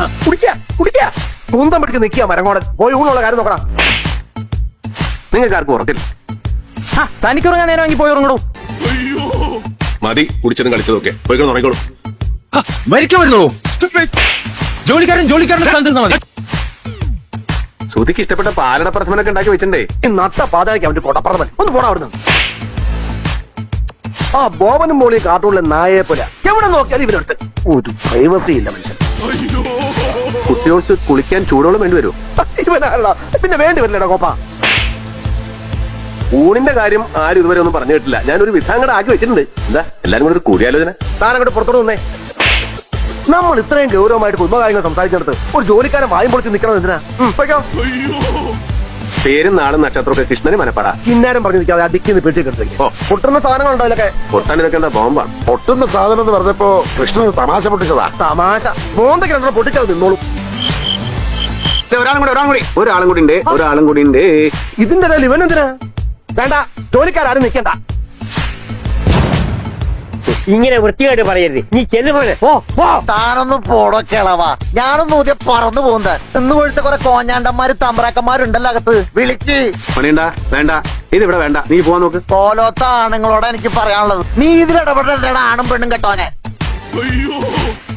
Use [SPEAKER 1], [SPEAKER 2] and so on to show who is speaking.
[SPEAKER 1] കുന്തം പിടിച്ച് നിൽക്കുക മരങ്ങോടൻ. പോയി ഊണുള്ള കാര്യം നോക്കണം. നിങ്ങൾക്ക് ആർക്കും ഉറക്കില്ല.
[SPEAKER 2] തനിക്കുറങ്ങാൻ നേരം വാങ്ങി പോയി ഉറങ്ങണോ?
[SPEAKER 3] മതി കുടിച്ചതും കളിച്ചതൊക്കെ പോയി ഉറങ്ങിക്കോളൂ.
[SPEAKER 4] മരിക്കാൻ വരുന്നു. ജോലിക്കാരൻ സ്ഥാനത്ത് മതി.
[SPEAKER 1] ശ്രുതിക്ക് ഇഷ്ടപ്പെട്ട പാലട പ്രഥമനൊക്കെ ഉണ്ടാക്കി വെച്ചിട്ടേ ഈ നട്ട പാതയ്ക്ക് അവന്റെ കൊടപ്രഥമൻ ഒന്ന് പോടാ അവിടുന്ന്. ആ ബോബനും മോളി കാർട്ടൂണിലെ നായയെ പോലെ എവിടെ നോക്കിയാലും ഇവരെടുത്ത് ഒരു പ്രൈവസി ഇല്ല മനുഷ്യൻ. കുട്ടികൾക്ക് കുളിക്കാൻ ചൂടോളം വേണ്ടി വരുമോ? ഇവനാണല്ലോ പിന്നെ വേണ്ടി വരില്ലടാ കോപ്പ. ഊണിന്റെ കാര്യം ആരും ഇതുവരെ ഒന്നും പറഞ്ഞു കേട്ടില്ല. ഞാനൊരു വിധാങ്ങടെ ആക്കി വെച്ചിട്ടുണ്ട്. എന്താ എല്ലാരും കൂടെ ഒരു കൂടിയാലോചന? താനങ്ങോട്ട് പുറത്തോട്ട് നിന്നേ. നമ്മൾ ഇത്രയും ഗൗരവമായിട്ട് കുടുംബകാര്യങ്ങൾ സംസാരിച്ചെടുത്ത് ഒരു ജോലിക്കാരൻ വായും പൊളിച്ച് നിൽക്കണം എന്തിനാ? പേരും നാളും നക്ഷത്രമൊക്കെ കൃഷ്ണന് മനപ്പാടാ. കിന്നാരം പറഞ്ഞു നിൽക്കാതെ അടിക്കുന്ന പെട്ടി കിടത്തേക്ക് പൊട്ടുന്ന സാധനങ്ങളുണ്ടോ ഇതിലൊക്കെ? പൊട്ടാൻ ഇതൊക്കെ എന്താ ബോംബാണ്?
[SPEAKER 5] പൊട്ടുന്ന സാധനം എന്ന് പറഞ്ഞപ്പോ കൃഷ്ണന് തമാശ പൊട്ടിച്ചതാ.
[SPEAKER 1] തമാശ മോന്തൊക്കെ രണ്ടോ പൊട്ടിച്ചത് നിന്നോളൂ. ഒരാളും കൂടി ഉണ്ട്. ഇതിന്റെ ഇടയിൽ ഇവൻ എന്തിനാ? വേണ്ട, ജോലിക്കാരും നിൽക്കണ്ട.
[SPEAKER 2] ഇങ്ങനെ വൃത്തിയായിട്ട് പറയരുത്. നീ ചെല്ലുപോലെ
[SPEAKER 6] താനൊന്നും പോടൊക്കെളവാ. ഞാനൊന്നും ഊതിയ പറന്നു പോകുന്നത്. ഇന്ന് കൊഴുത്ത കുറെ കോഞ്ഞാണ്ടന്മാര് തമ്പ്രാക്കന്മാരുണ്ടല്ലോ അകത്ത്. വിളിക്ക്.
[SPEAKER 1] പണിയണ്ട, വേണ്ട, ഇതിവിടെ വേണ്ട. നീ പോവാൻ നോക്ക്.
[SPEAKER 6] പോലോത്ത ആണുങ്ങളോടാ എനിക്ക് പറയാനുള്ളത്. നീ ഇതിലിടപെടേണ്ട ആണും പെണ്ണും കെട്ടോനെ.